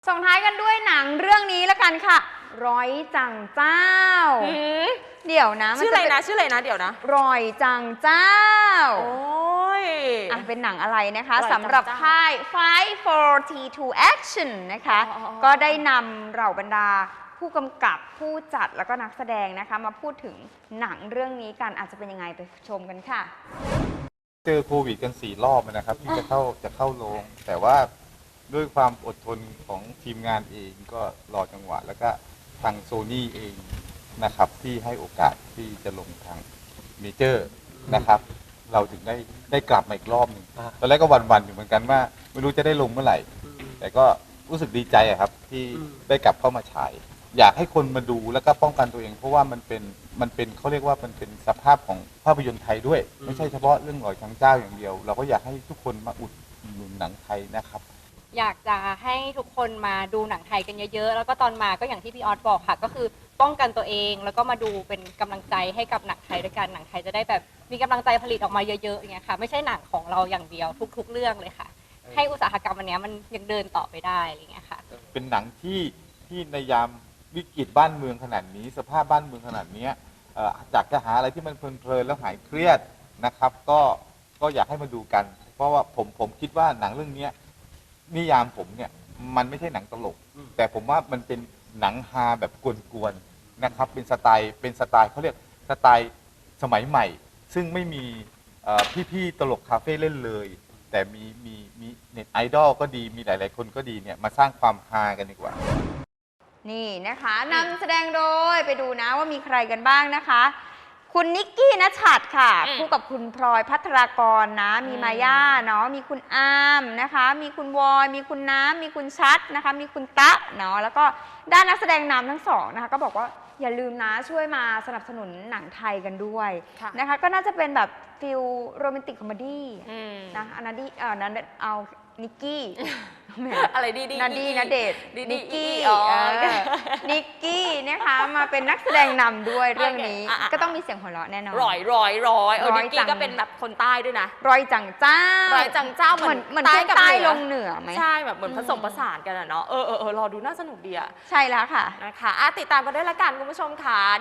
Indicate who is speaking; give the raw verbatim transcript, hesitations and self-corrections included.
Speaker 1: ส่งท้ายกันด้วยหนังเรื่องนี้ละกันค่ะร้อยจังเจ้าเดี๋ยวนะ
Speaker 2: ชื่ออะไรนะชื่ออะไรนะเดี๋ยวนะ
Speaker 1: ร้อยจังเจ้า
Speaker 2: โอ้ย
Speaker 1: อ่ะเป็นหนังอะไรนะคะสำหรับค่าย ไฟว์ โฟร์ ที ทู Action นะคะก็ได้นำเหล่าบรรดาผู้กำกับผู้จัดแล้วก็นักแสดงนะคะมาพูดถึงหนังเรื่องนี้กันอาจจะเป็นยังไงไปชมกันค่ะ
Speaker 3: เจอโควิดกันสี่รอบนะครับที่จะเข้าจะเข้าโรงแต่ว่าด้วยความอดทนของทีมงานเองก็รอจังหวะแล้วก็ทางโซนี่เองนะครับที่ให้โอกาสที่จะลงทางเมเจอร์นะครับเราถึงได้ได้กลับมาอีกรอบหนึ่งตอนแรกก็หวั่นๆอยู่เหมือนกันว่าไม่รู้จะได้ลงเมื่อไหร่แต่ก็รู้สึกดีใจครับที่ได้กลับเข้ามาฉายอยากให้คนมาดูแล้วก็ป้องกันตัวเองเพราะว่ามันเป็นมันเป็นเขาเรียกว่ามันเป็นสภาพของภาพยนตร์ไทยด้วยไม่ใช่เฉพาะเรื่องหลอยทางเจ้าอย่างเดียวเราก็อยากให้ทุกคนมาอุดหนุนหนังไทยนะครับ
Speaker 4: อยากจะให้ทุกคนมาดูหนังไทยกันเยอะๆแล้วก็ตอนมาก็อย่างที่พี่ออสบอกค่ะก็คือป้องกันตัวเองแล้วก็มาดูเป็นกำลังใจให้กับหนังไทยด้วยกันหนังไทยจะได้แบบมีกำลังใจผลิตออกมาเยอะๆอย่างเงี้ยค่ะไม่ใช่หนังของเราอย่างเดียวทุกๆเรื่องเลยค่ะให้อุตสาหกรรมอันนี้มันยังเดินต่อไปได้อะไรเงี้ยค่ะ
Speaker 3: เป็นหนังที่ที่ในยามวิกฤตบ้านเมืองขนาดนี้สภาพบ้านเมืองขนาดนี้จากจะหาอะไรที่มันเพลินๆแล้วหายเครียดนะครับก็ก็อยากให้มาดูกันเพราะว่าผมผมคิดว่าหนังเรื่องนี้นิยามผมเนี่ยมันไม่ใช่หนังตลกแต่ผมว่ามันเป็นหนังฮาแบบกวนๆนะครับเป็นสไตล์เป็นสไตล์เขาเรียกสไตล์สมัยใหม่ซึ่งไม่มีพี่ๆตลกคาเฟ่เล่นเลยแต่มีมีมีเน็ตไอดอลก็ดีมีหลายๆคนก็ดีเนี่ยมาสร้างความฮากันดีกว่า
Speaker 1: นี่นะคะนำแสดงโดยไปดูนะว่ามีใครกันบ้างนะคะคุณนิกกี้ณชัดค่ะคู่กับคุณพลอยพัทรากรนะมีมาย่าเนาะมีคุณอามนะคะมีคุณวอยมีคุณน้ำมีคุณชัดนะคะมีคุณตะเนาะแล้วก็ด้านนักแสดงนำทั้งสองนะคะก็บอกว่าอย่าลืมนะช่วยมาสนับสนุนหนังไทยกันด้วยนะคะก็น่าจะเป็นแบบฟิลโรแมนติกคอมเมดี้นะอันนั้นดีเออนั้นเอานิกกี้
Speaker 2: อะไรดีดี
Speaker 1: นาดีนาเดชนิกกี้นิกกี้นะคะมาเป็นนักแสดงนำด้วยเรื่องนี้ก็ต้องมีเสียงหัวเราะแน่นอน
Speaker 2: ร้อยร้อยร้อยนิกกี้ก็เป็นแบบคนใต้ด้วยนะ
Speaker 1: ร้อยจังเจ้า
Speaker 2: ร้อยจังเจ้าเหมือน
Speaker 1: เหมือนใต้กับใต้ลงเหนือไหม
Speaker 2: ใช่แบบเหมือนผสมผสานกันอะเนาะเออเออรอดูน่าสนุกดีอะ
Speaker 1: ใช่แล้วค่ะ
Speaker 2: นะคะติดตามกันด้วยละกันคุณผู้ชมค่ะ